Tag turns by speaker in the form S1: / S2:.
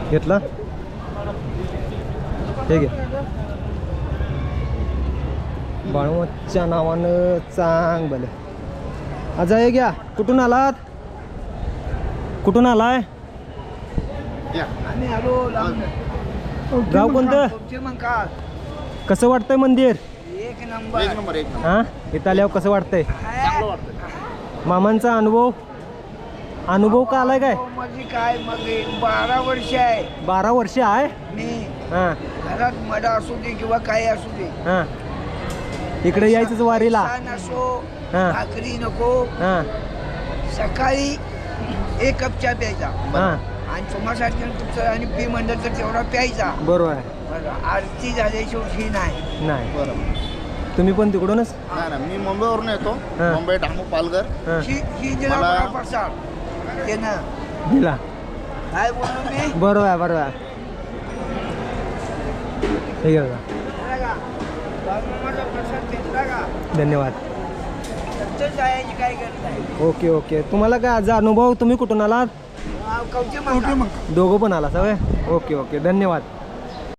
S1: घेतला हे घे बाळूमाच्या नावानं चांग भले आज हे घ्या कुठून आलात कुठून आलाय
S2: आम्ही आलो
S1: गाव कोणतं कसं वाटतंय मंदिर
S2: एक नंबर
S1: हां इथं आल्यावर कसं वाटतंय मामांचा अनुभव का आलाय काय
S2: म्हणजे काय मग 12 वर्ष आहे
S1: 12 वर्ष आहे
S2: मी
S1: हां
S2: घरात मडा असू दे किंवा काय असू दे
S1: हां इकडे यायचंच वारीला
S2: सण असो
S1: हां
S2: भाकरी नको
S1: हां
S2: सकाळी 1 कप चहा प्यायचा
S1: हां
S2: आणि सोमासाठी तुमचं आणि पी म्हणलं तर तेवढा प्यायचा
S1: बरोबर आहे
S2: बरं आरती झाल्याशिवाय नाही
S1: नाही
S3: बरं
S1: तुम्ही पण तिकडूनच
S3: नाही ना मी मुंबईवरून येतो
S1: हां.
S3: मुंबई डामू पालघर
S1: हां
S2: ही दिला
S3: मला-
S2: मला प्रसाद ते ना
S1: दिला
S2: काय बोललो मी
S1: बरोबर आहे बरोबर आहे हे घे बघा.
S2: दिला का? बाळूमामाचा प्रसाद घेतला का
S1: धन्यवाद
S2: नंतर जायची काय गरज आहे
S1: ओके ओके तुम्हाला काय आज अनुभव तुम्ही कुठून आलात
S2: कवचे मग
S1: दोघं पण आला सवय ओके ओके धन्यवाद